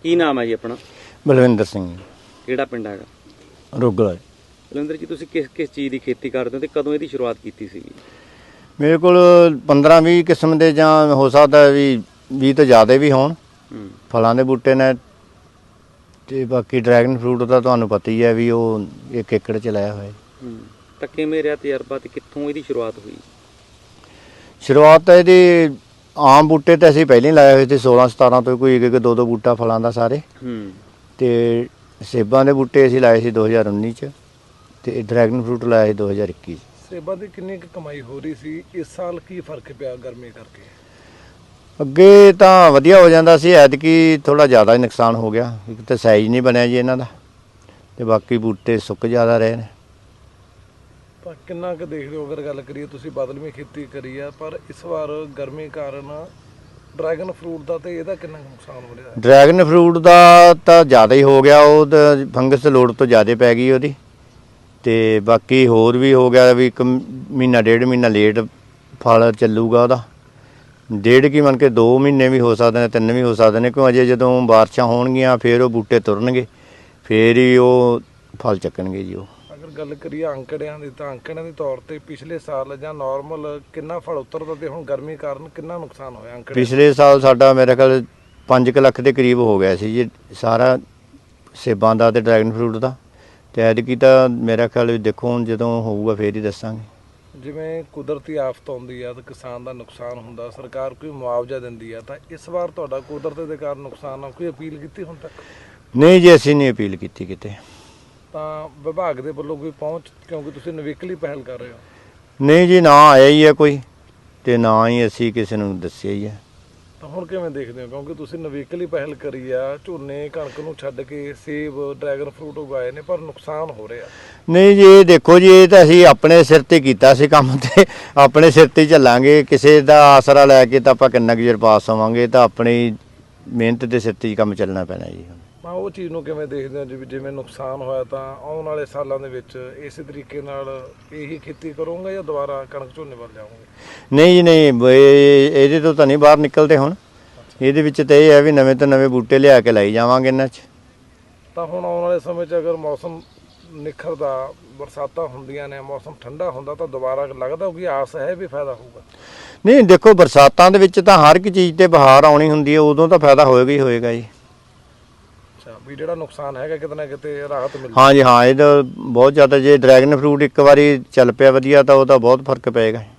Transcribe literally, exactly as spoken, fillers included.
ਕੀ ਨਾਮ ਹੈ ਜੀ ਆਪਣਾ? ਬਲਵਿੰਦਰ ਸਿੰਘ ਕਿਹੜਾ ਪਿੰਡ ਹੈਗਾ? ਰੋਗਲਾ। ਬਲਵਿੰਦਰ ਜੀ, ਤੁਸੀਂ ਕਿਸ ਕਿਸ ਚੀਜ਼ ਦੀ ਖੇਤੀ ਕਰਦੇ ਹੋ ਤੇ ਕਦੋਂ ਇਹਦੀ ਸ਼ੁਰੂਆਤ ਕੀਤੀ ਸੀਗੀ? ਮੇਰੇ ਕੋਲ ਪੰਦਰਾਂ ਵੀਹ ਕਿਸਮ ਦੇ ਜਾਂ ਹੋ ਸਕਦਾ ਵੀ ਵੀਹ ਤੋਂ ਜ਼ਿਆਦਾ ਵੀ ਹੋਣ ਹੂੰ ਫਲਾਂ ਦੇ ਬੂਟੇ ਨੇ। ਤੇ ਬਾਕੀ ਡਰੈਗਨ ਫਰੂਟ ਦਾ ਤੁਹਾਨੂੰ ਪਤਾ ਹੀ ਹੈ ਵੀ ਉਹ ਇੱਕ ਏਕੜ 'ਚ ਲਾਇਆ ਹੋਇਆ। ਹੂੰ ਤਾਂ ਕਿਵੇਂ ਰਿਹਾ ਤਜਰਬਾ ਤੇ ਕਿੱਥੋਂ ਇਹਦੀ ਸ਼ੁਰੂਆਤ ਹੋਈ? ਸ਼ੁਰੂਆਤ ਤਾਂ ਇਹਦੀ ਆਮ ਬੂਟੇ ਤਾਂ ਅਸੀਂ ਪਹਿਲਾਂ ਹੀ ਲਾਏ ਹੋਏ ਸੀ ਸੋਲਾਂ ਸਤਾਰਾਂ ਤੋਂ, ਕੋਈ ਇੱਕ ਇੱਕ ਦੋ ਦੋ ਬੂਟਾ ਫਲਾਂ ਦਾ ਸਾਰੇ। ਹੂੰ ਤੇ ਸੇਬਾਂ ਦੇ ਬੂਟੇ ਅਸੀਂ ਲਾਏ ਸੀ ਦੋ ਹਜ਼ਾਰ ਉੱਨੀ 'ਚ ਤੇ ਡਰੈਗਨ ਫਰੂਟ ਲਾਇਆ ਸੀ ਦੋ ਹਜ਼ਾਰ ਇੱਕੀ 'ਚ। ਸੇਬਾਂ ਦੀ ਕਿੰਨੀ ਕੁ ਕਮਾਈ ਹੋ ਰਹੀ ਸੀ? ਇਸ ਸਾਲ ਕੀ ਫਰਕ ਪਿਆ ਗਰਮੀ ਕਰਕੇ? ਅੱਗੇ ਤਾਂ ਵਧੀਆ ਹੋ ਜਾਂਦਾ ਸੀ, ਐਤਕੀ ਥੋੜ੍ਹਾ ਜ਼ਿਆਦਾ ਹੀ ਨੁਕਸਾਨ ਹੋ ਗਿਆ। ਇੱਕ ਤਾਂ ਸਾਈਜ਼ ਨਹੀਂ ਬਣਿਆ ਜੀ ਇਹਨਾਂ ਦਾ, ਤੇ ਬਾਕੀ ਬੂਟੇ ਸੁੱਕ ਜ਼ਿਆਦਾ ਰਹੇ ਨੇ। ਤਾਂ ਕਿੰਨਾ ਕੁ ਦੇਖਦੇ ਹੋ, ਅਗਰ ਗੱਲ ਕਰੀਏ ਤੁਸੀਂ ਬਦਲਵੀਂ ਖੇਤੀ ਕਰੀ ਆ, ਪਰ ਇਸ ਵਾਰ ਗਰਮੀ ਕਾਰਨ ਡਰੈਗਨ ਫਰੂਟ ਦਾ ਤੇ ਇਹਦਾ ਕਿੰਨਾ ਕੁ ਨੁਕਸਾਨ ਹੋ ਰਿਹਾ? ਡਰੈਗਨ ਫਰੂਟ ਦਾ ਤਾਂ ਜ਼ਿਆਦਾ ਹੀ ਹੋ ਗਿਆ, ਉਹ ਤਾਂ ਫੰਗਸ ਲੋੜ ਤੋਂ ਜ਼ਿਆਦਾ ਪੈ ਗਈ ਉਹਦੀ। ਤੇ ਬਾਕੀ ਹੋਰ ਵੀ ਹੋ ਗਿਆ ਵੀ ਇੱਕ ਮਹੀਨਾ ਡੇਢ ਮਹੀਨਾ ਲੇਟ ਫਲ ਚੱਲੂਗਾ ਉਹਦਾ। ਡੇਢ ਕੀ ਮੰਨ ਕੇ ਦੋ ਮਹੀਨੇ ਵੀ ਹੋ ਸਕਦੇ ਨੇ, ਤਿੰਨ ਵੀ ਹੋ ਸਕਦੇ ਨੇ, ਕਿਉਂ ਅਜੇ ਜਦੋਂ ਬਾਰਿਸ਼ਾਂ ਹੋਣਗੀਆਂ ਫਿਰ ਉਹ ਬੂਟੇ ਤੁਰਨਗੇ, ਫਿਰ ਹੀ ਉਹ ਫਲ ਚੱਕਣਗੇ ਜੀ। ਉਹ ਅਗਰ ਗੱਲ ਕਰੀਏ ਅੰਕੜਿਆਂ ਦੀ, ਤਾਂ ਅੰਕੜਿਆਂ ਦੇ ਤੌਰ ਤੇ ਪਿਛਲੇ ਸਾਲ ਜਾਂ ਨਾਰਮਲ ਕਿੰਨਾ ਫਲ ਉਤਰਦਾ ਤੇ ਹੁਣ ਗਰਮੀ ਕਾਰਨ ਕਿੰਨਾ ਨੁਕਸਾਨ ਹੋਇਆ ਅੰਕੜਿਆਂ? ਪਿਛਲੇ ਸਾਲ ਸਾਡਾ ਮੇਰੇ ਖਿਆਲ ਪੰਜ ਕੁ ਲੱਖ ਦੇ ਕਰੀਬ ਹੋ ਗਿਆ ਸੀ ਜੀ ਸਾਰਾ ਸੇਬਾਂ ਦਾ ਤੇ ਡਰੈਗਨ ਫਰੂਟ ਦਾ। ਤੇ ਐਤਕੀ ਤਾਂ ਮੇਰਾ ਖਿਆਲ ਵੀ ਦੇਖੋ ਹੁਣ ਜਦੋਂ ਹੋਊਗਾ ਫੇਰ ਹੀ ਦੱਸਾਂਗੇ। ਜਿਵੇਂ ਕੁਦਰਤੀ ਆਫਤ ਆਉਂਦੀ ਆ ਤਾਂ ਕਿਸਾਨ ਦਾ ਨੁਕਸਾਨ ਹੁੰਦਾ, ਸਰਕਾਰ ਕੋਈ ਮੁਆਵਜ਼ਾ ਦਿੰਦੀ ਆ, ਤਾਂ ਇਸ ਵਾਰ ਤੁਹਾਡਾ ਕੁਦਰਤ ਦੇ ਕਾਰਨ ਨੁਕਸਾਨ ਆ, ਕੋਈ ਅਪੀਲ ਕੀਤੀ ਹੁਣ ਤੱਕ? ਨਹੀਂ ਜੀ, ਅਸੀਂ ਨਹੀਂ ਅਪੀਲ ਕੀਤੀ ਕਿਤੇ। ਤਾਂ ਵਿਭਾਗ ਦੇ ਵੱਲੋਂ ਕੋਈ ਪਹੁੰਚ, ਕਿਉਂਕਿ ਤੁਸੀਂ ਨਵੇਕਲੀ ਪਹਿਲ ਕਰ ਰਹੇ ਹੋ? ਨਹੀਂ ਜੀ, ਨਾ ਆਇਆ ਹੀ ਹੈ ਕੋਈ, ਤੇ ਨਾ ਹੀ ਅਸੀਂ ਕਿਸੇ ਨੂੰ ਦੱਸਿਆ ਹੀ ਹੈ। ਤਾਂ ਹੁਣ ਕਿਵੇਂ ਦੇਖਦੇ ਹੋ, ਕਿਉਂਕਿ ਤੁਸੀਂ ਨਵੇਕਲੀ ਪਹਿਲ ਕਰੀ ਆ, ਝੋਨੇ ਕਣਕ ਨੂੰ ਛੱਡ ਕੇ ਸੇਬ ਡਰੈਗਨ ਫਰੂਟ ਉਗਾਏ ਨੇ, ਪਰ ਨੁਕਸਾਨ ਹੋ ਰਿਹਾ? ਨਹੀਂ ਜੀ, ਇਹ ਦੇਖੋ ਜੀ, ਇਹ ਤਾਂ ਅਸੀਂ ਆਪਣੇ ਸਿਰ ਤੇ ਕੀਤਾ ਸੀ ਕੰਮ, ਤੇ ਆਪਣੇ ਸਿਰ ਤੇ ਚੱਲਾਂਗੇ। ਕਿਸੇ ਦਾ ਆਸਰਾ ਲੈ ਕੇ ਤਾਂ ਆਪਾਂ ਕਿੰਨਾ ਕੁ ਚਿਰ ਪਾਸ ਹੋਵਾਂਗੇ, ਤਾਂ ਆਪਣੀ ਮਿਹਨਤ ਦੇ ਸਿਰ ਤੇ ਹੀ ਕੰਮ ਚੱਲਣਾ ਪੈਣਾ ਜੀ। ਮੈਂ ਉਹ ਚੀਜ਼ ਨੂੰ ਕਿਵੇਂ ਦੇਖਦੇ ਹੋ, ਜਿਵੇਂ ਜਿਵੇਂ ਨੁਕਸਾਨ ਹੋਇਆ, ਤਾਂ ਆਉਣ ਵਾਲੇ ਸਾਲਾਂ ਦੇ ਵਿੱਚ ਇਸੇ ਤਰੀਕੇ ਨਾਲ ਇਹੀ ਖੇਤੀ ਕਰੋਗੇ ਜਾਂ ਦੁਬਾਰਾ ਕਣਕ ਝੋਨੇ ਵੱਲ ਜਾਓਗੇ? ਨਹੀਂ ਜੀ ਨਹੀਂ, ਇਹ ਇਹਦੇ ਤੋਂ ਤਾਂ ਨਹੀਂ ਬਾਹਰ ਨਿਕਲਦੇ ਹੁਣ। ਇਹਦੇ ਵਿੱਚ ਤਾਂ ਇਹ ਹੈ ਵੀ ਨਵੇਂ ਤੋਂ ਨਵੇਂ ਬੂਟੇ ਲਿਆ ਕੇ ਲਾਈ ਜਾਵਾਂਗੇ ਇਹਨਾਂ 'ਚ। ਤਾਂ ਹੁਣ ਆਉਣ ਵਾਲੇ ਸਮੇਂ 'ਚ ਅਗਰ ਮੌਸਮ ਨਿਖਰਦਾ, ਬਰਸਾਤਾਂ ਹੁੰਦੀਆਂ ਨੇ, ਮੌਸਮ ਠੰਡਾ ਹੁੰਦਾ, ਤਾਂ ਦੁਬਾਰਾ ਲੱਗਦਾ ਕਿ ਆਸ ਹੈ ਵੀ ਫਾਇਦਾ ਹੋਊਗਾ? ਨਹੀਂ ਦੇਖੋ, ਬਰਸਾਤਾਂ ਦੇ ਵਿੱਚ ਤਾਂ ਹਰ ਇੱਕ ਚੀਜ਼ ਤੇ ਬਹਾਰ ਆਉਣੀ ਹੁੰਦੀ ਹੈ, ਉਦੋਂ ਤਾਂ ਫਾਇਦਾ ਹੋਏਗਾ ਹੀ ਹੋਏਗਾ ਜੀ। ਅੱਛਾ, ਵੀ ਜਿਹੜਾ ਨੁਕਸਾਨ ਹੈਗਾ ਕਿਤੇ ਨਾ ਕਿਤੇ ਰਾਹਤ ਮਿਲਦੀ? ਹਾਂ ਜੀ ਹਾਂ, ਇਹਦਾ ਬਹੁਤ ਜ਼ਿਆਦਾ, ਜੇ ਡਰੈਗਨ ਫਰੂਟ ਇੱਕ ਵਾਰੀ ਚੱਲ ਪਿਆ ਵਧੀਆ ਤਾਂ ਉਹਦਾ ਬਹੁਤ ਫਰਕ ਪਏਗਾ।